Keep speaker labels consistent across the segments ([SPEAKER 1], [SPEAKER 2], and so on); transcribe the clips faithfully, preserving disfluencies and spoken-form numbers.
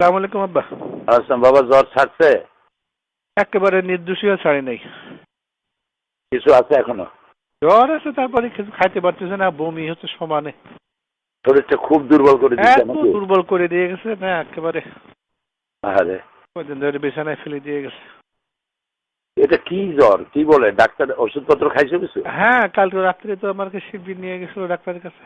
[SPEAKER 1] আসসালামু আলাইকুম আব্বা।
[SPEAKER 2] আসসালাম বাবা, জ্বর ছাড়ছে?
[SPEAKER 1] একেবারে নির্দোষীয় ছাড়ি নাই।
[SPEAKER 2] কিছু আছে এখনো?
[SPEAKER 1] জ্বর আছে, তারপরে কিছু খাইতে পারতেছে না, বমি হচ্ছে সমানে।
[SPEAKER 2] শরীরটা খুব দুর্বল করে দিচ্ছে
[SPEAKER 1] এত
[SPEAKER 2] নাকি?
[SPEAKER 1] দুর্বল করে দিয়ে গেছে না একেবারে।
[SPEAKER 2] আরে
[SPEAKER 1] কদিন ধরে বিছানায় ফেলে দিয়ে গেছে।
[SPEAKER 2] এটা কি জ্বর? কি বলে ডাক্তার? ওষুধপত্র খাইছো কিছু?
[SPEAKER 1] হ্যাঁ, কালকে রাত্রে তো আমাকে শিবির নিয়ে গেছিল ডাক্তারের কাছে।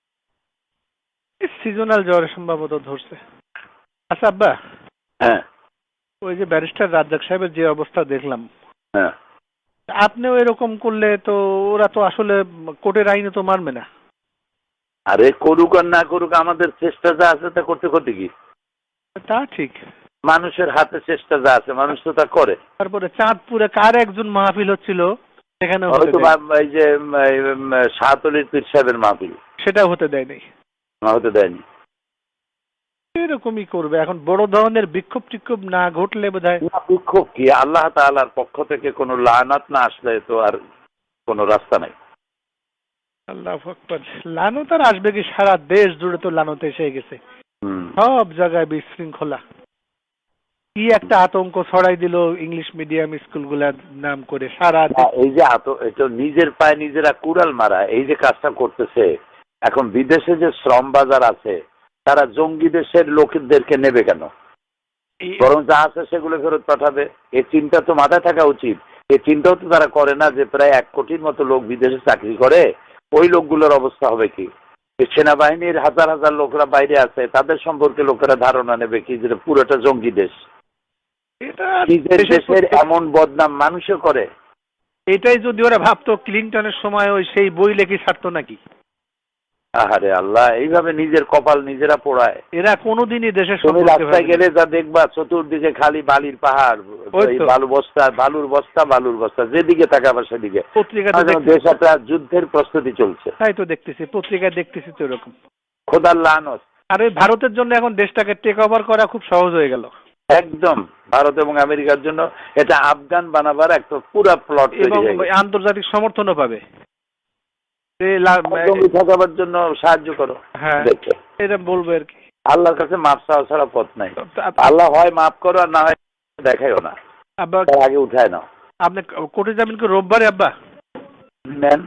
[SPEAKER 1] সিজনাল জ্বর সম্ভবত ধরছে। আচ্ছা আব্বা,
[SPEAKER 2] হ্যাঁ
[SPEAKER 1] ওই যে ব্যারিস্টার রাজ্জাক সাহেবের যে অবস্থা দেখলাম,
[SPEAKER 2] হ্যাঁ।
[SPEAKER 1] আপনিও এরকম করলে তো ওরা তো আসলে কোর্টের আইনে তো মানবে না।
[SPEAKER 2] আরে করুক আর না করুক, আমাদের চেষ্টা যা আছে তা করতে করতে কি?
[SPEAKER 1] তা ঠিক।
[SPEAKER 2] মানুষের হাতে চেষ্টা যা আছে মানুষ তো তা করে।
[SPEAKER 1] তারপরে চাঁদপুরে কার একজন মাহফিল হচ্ছিল, সেখানে
[SPEAKER 2] হয়তো এই যে শাহতলির পীর সাহেবের মাহফিল,
[SPEAKER 1] সেটাও হতে দেয় নাই।
[SPEAKER 2] না হতে দেয়নি।
[SPEAKER 1] এরকমই করবে এখন, বড় ধরনের বিক্ষোভ টিক্ষোভ না ঘটলে বোধহয়।
[SPEAKER 2] বিক্ষোভ কি? আল্লাহ তাআলার পক্ষ থেকে কোনো লানাত না আসলে তো আর কোনো রাস্তা নাই।
[SPEAKER 1] আল্লাহু আকবার। লানত আর আসবে কি? সারা দেশ জুড়ে তো লানত এসে গেছে,
[SPEAKER 2] হুম।
[SPEAKER 1] সব জায়গায় বিশৃঙ্খলা। কি একটা আতঙ্ক ছড়াই দিল ইংলিশ মিডিয়াম স্কুলগুলার নাম করে সারা দেশ।
[SPEAKER 2] এই যে আত এটা নিজের পায়ে নিজেরা কুড়াল মারা, এই যে কাজটা করতেছে। এখন বিদেশে যে শ্রম বাজার আছে, তারা জঙ্গি দেশের লোকদেরকে নেবে কেন? বরং যা আছে সেগুলো ফেরত পাঠাবে। এই চিন্তা তো মাথায় থাকা উচিত। এই চিন্তাও তো তারা করে না যে প্রায় এক কোটির মতো লোক বিদেশে চাকরি করে, ওই লোকগুলোর অবস্থা হবে কি? সেনাবাহিনীর হাজার হাজার লোকরা বাইরে আছে, তাদের সম্পর্কে লোকেরা ধারণা নেবে কি যে পুরোটা জঙ্গি দেশ। নিজের দেশের এমন বদনাম মানুষও করে।
[SPEAKER 1] এটাই যদি ওরা ভাবতো ক্লিনটনের সময় ওই সেই বই লেখি ছাড়তো নাকি?
[SPEAKER 2] আহারে আল্লাহ, এইভাবে নিজের কপাল নিজেরা পোড়ায়।
[SPEAKER 1] এরা কোনোদিনই দেশের
[SPEAKER 2] তুমি রাস্তায় গেলে যা দেখবা, চতুর্দিকে খালি বালির পাহাড়, বালু বস্তা, বালুর বস্তা, বালুর বস্তা, যেদিকে তাকাবা সেদিকে।
[SPEAKER 1] পত্রিকাতে
[SPEAKER 2] দেশ একটা যুদ্ধের প্রস্তুতি চলছে।
[SPEAKER 1] তাই তো দেখতেছি, পত্রিকায় দেখতেছি তো এরকম।
[SPEAKER 2] খোদার লানত।
[SPEAKER 1] আর ওই ভারতের জন্য এখন দেশটাকে টেক ওভার করা খুব সহজ হয়ে গেল।
[SPEAKER 2] একদম ভারত এবং আমেরিকার জন্য এটা আফগান বানাবার একটা পুরো প্লট তৈরি হয়ে গেছে।
[SPEAKER 1] আন্তর্জাতিক সমর্থনও পাবে।
[SPEAKER 2] ঠকাবার জন্য সাহায্য করো।
[SPEAKER 1] হ্যাঁ,
[SPEAKER 2] দেখো
[SPEAKER 1] এটা বলবো আর কি।
[SPEAKER 2] আল্লাহর কাছে মাপ চাওয়া ছাড়া পথ নাই। আল্লাহ হয় মাফ করো আর না হয় দেখাইও না।
[SPEAKER 1] আব্বা
[SPEAKER 2] আগে উঠায় নাও।
[SPEAKER 1] আপনি কোর্টে যাবেন কি রোববারে আব্বা?
[SPEAKER 2] নেন,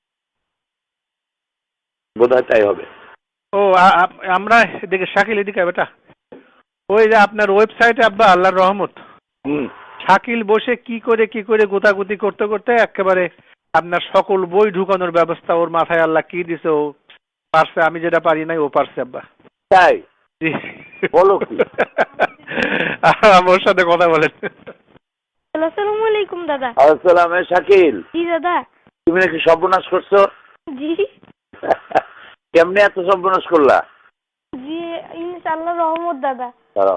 [SPEAKER 2] বোধহয় তাই হবে।
[SPEAKER 1] ও আমরা এদিকে শাকিল, এদিকে বেটা। ওই যে আপনার ওয়েবসাইটে আব্বা আল্লাহর রহমত, শাকিল বসে কি করে কি করে গোতাগুতি করতে করতে একেবারে আপনার সকল বই ঢুকানোর ব্যবস্থা ওর মাথায় আল্লাহ কি দিছে, ও পারছে। আমি যেটা পারি নাই ও পারছে আব্বা।
[SPEAKER 2] তাই বলো কি?
[SPEAKER 1] আমার সাথে কথা বলেন।
[SPEAKER 3] আসসালামু আলাইকুম দাদা।
[SPEAKER 2] আসসালাম। শাকিল,
[SPEAKER 3] জি দাদা।
[SPEAKER 2] তুমি নাকি সর্বনাশ করছো?
[SPEAKER 3] জি।
[SPEAKER 2] কেমনে এত সর্বনাশ করলা?
[SPEAKER 3] জি ইনশাআল্লাহ রহমত দাদা।
[SPEAKER 2] দাঁড়াও।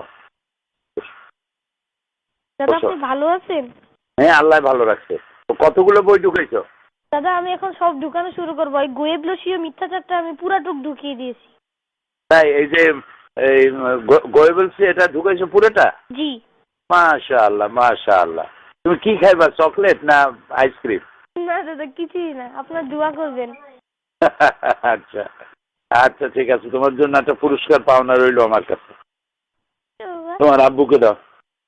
[SPEAKER 3] দাদা আপনি ভালো আছেন?
[SPEAKER 2] হ্যাঁ, আল্লাহ ভালো রাখছে। কতগুলো বই ঢুকাইছো?
[SPEAKER 3] দাদা আমি এখন সব ঢুকানো শুরু করবো। এই গোয়েবলসীয় মিথ্যাচারটা আমি পুরাটুক ঢুকিয়ে দিয়েছি।
[SPEAKER 2] তাই এই যে এই গোয়েবলসি এটা ঢুকাইছো পুরোটা?
[SPEAKER 3] জি।
[SPEAKER 2] মাশাআল্লাহ মাশাআল্লাহ। তুমি কি খাইবা, চকলেট না আইসক্রিম?
[SPEAKER 3] না দাদা কিছুই না, আপনার দোয়া করবেন।
[SPEAKER 2] আচ্ছা আচ্ছা ঠিক আছে, তোমার জন্য একটা পুরস্কার পাওনা রইলো আমার কাছে। তোমার আব্বুকে দাও।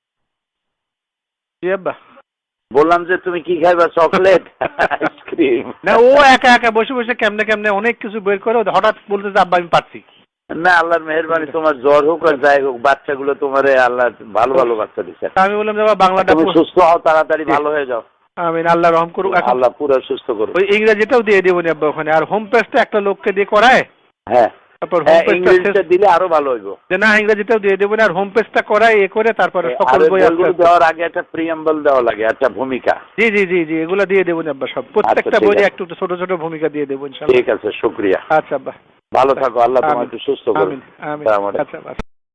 [SPEAKER 1] জি আব্বা।
[SPEAKER 2] বললাম যে তুমি কি খাইবা, চকলেট আইসক্রিম?
[SPEAKER 1] না, ও একা একা বসে বসে কেমনে কেমনে অনেক কিছু বের করে হঠাৎ বলতে যে আব্বা আমি পারছি।
[SPEAKER 2] না, আল্লাহর মেহেরবানি, তোমার জ্বর হোক আর যাই হোক, বাচ্চাগুলো তোমারে আল্লাহ ভালো ভালো বাচ্চা দিচ্ছে।
[SPEAKER 1] আমি বললাম যে বাংলাটা
[SPEAKER 2] তুমি সুস্থ হও, তাড়াতাড়ি ভালো হয়ে যাও।
[SPEAKER 1] আমিন, আল্লাহ রহম করুক।
[SPEAKER 2] আল্লাহ পুরো সুস্থ করুক।
[SPEAKER 1] ওই ইংরেজিটাও দিয়ে দেবো নি আব্বা ওখানে। আর হোম পেজটা একটা লোককে দিয়ে করায়।
[SPEAKER 2] হ্যাঁ,
[SPEAKER 1] তারপর
[SPEAKER 2] ইংরেজিটা দিলে আরো ভালো হইব।
[SPEAKER 1] যে না ইংরেজিটাও দিয়ে দেবো না, আর হোম পেজটা করায় এ করে তারপরে সকল বই
[SPEAKER 2] দেওয়ার আগে একটা প্রিয়াম্বল দেওয়া লাগে, একটা ভূমিকা।
[SPEAKER 1] জি জি জি জি এগুলো দিয়ে দেবো না আব্বা, সব প্রত্যেকটা বইয়ে একটু ছোট ছোট ভূমিকা দিয়ে দেবো ইনশাআল্লাহ।
[SPEAKER 2] ঠিক আছে, শুকরিয়া।
[SPEAKER 1] আচ্ছা আব্বা,
[SPEAKER 2] ভালো থাকো, আল্লাহ তোমাকে সুস্থ করুন।
[SPEAKER 1] আমিন আমিন। আচ্ছা।